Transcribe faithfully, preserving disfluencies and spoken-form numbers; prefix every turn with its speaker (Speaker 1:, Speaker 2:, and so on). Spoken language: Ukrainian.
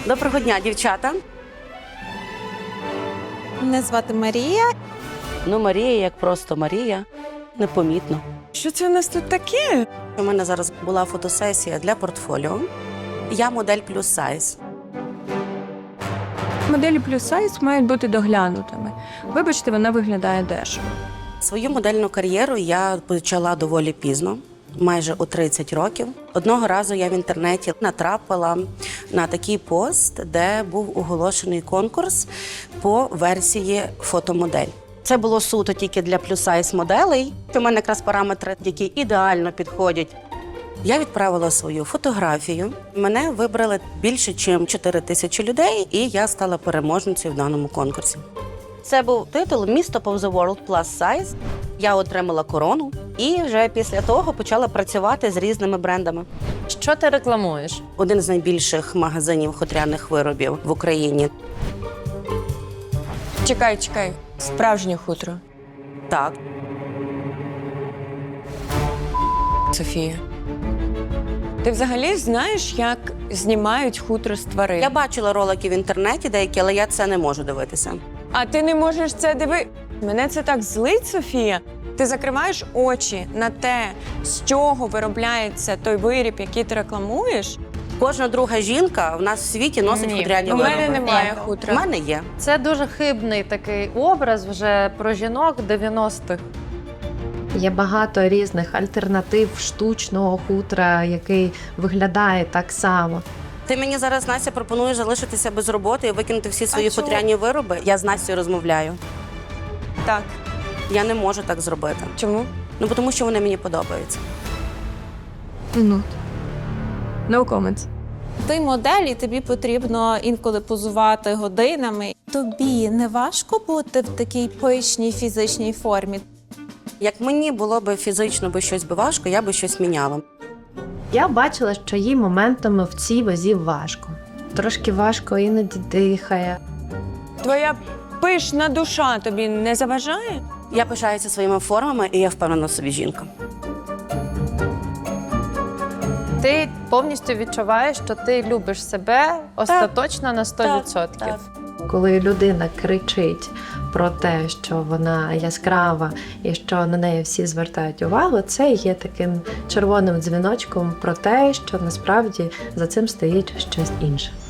Speaker 1: Доброго дня, дівчата.
Speaker 2: Мене звати Марія.
Speaker 1: Ну, Марія, як просто Марія, непомітно.
Speaker 2: Що це у нас тут таке?
Speaker 1: У мене зараз була фотосесія для портфоліо. Я модель плюс сайз.
Speaker 2: Моделі плюс сайз мають бути доглянутими. Вибачте, вона виглядає дешево.
Speaker 1: Свою модельну кар'єру я почала доволі пізно, майже у тридцять років. Одного разу я в інтернеті натрапила на такий пост, де був оголошений конкурс по версії фотомодель. Це було суто тільки для плюс-сайз моделей. У мене якраз параметри, які ідеально підходять. Я відправила свою фотографію. Мене вибрали більше, ніж чотири тисячі людей, і я стала переможницею в даному конкурсі. Це був титул «Miss Top of the World Plus Size». Я отримала корону і вже після того почала працювати з різними брендами.
Speaker 3: Що ти рекламуєш?
Speaker 1: Один з найбільших магазинів хутряних виробів в Україні.
Speaker 2: Чекай, чекай. Справжнє хутро.
Speaker 1: Так.
Speaker 2: Софія. Ти взагалі знаєш, як знімають хутро з тварин?
Speaker 1: Я бачила ролики в інтернеті деякі, але я це не можу дивитися.
Speaker 2: А ти не можеш це дивитися? Мене це так злить, Софія. Ти закриваєш очі на те, з чого виробляється той виріб, який ти рекламуєш?
Speaker 1: Кожна друга жінка в нас в світі носить
Speaker 2: Ні,
Speaker 1: хутряні
Speaker 2: у
Speaker 1: вироби.
Speaker 2: мене немає
Speaker 1: У
Speaker 2: хутра.
Speaker 1: мене є.
Speaker 3: Це дуже хибний такий образ вже про жінок дев'яностих.
Speaker 4: Є багато різних альтернатив штучного хутра, який виглядає так само.
Speaker 1: Ти мені зараз, Настя, пропонуєш залишитися без роботи і викинути всі свої
Speaker 2: А чого?
Speaker 1: хутряні вироби? Я з Настю розмовляю.
Speaker 2: Так.
Speaker 1: Я не можу так зробити.
Speaker 2: Чому?
Speaker 1: Ну, бо тому що вони мені подобаються.
Speaker 2: Ну. No comments.
Speaker 5: Ти модель, і тобі потрібно інколи позувати годинами. Тобі не важко бути в такій пишній фізичній формі?
Speaker 1: Як мені було б фізично би щось би важко, я би щось міняла.
Speaker 4: Я бачила, що їй моментами в цій вазі важко. Трошки важко іноді дихає.
Speaker 2: Твоя пишна душа тобі не заважає?
Speaker 1: Я пишаюся своїми формами, і я впевнена в собі жінка.
Speaker 3: Ти повністю відчуваєш, що ти любиш себе остаточно на сто відсотків.
Speaker 1: Так,
Speaker 4: Коли людина кричить про те, що вона яскрава і що на неї всі звертають увагу, це є таким червоним дзвіночком про те, що насправді за цим стоїть щось інше.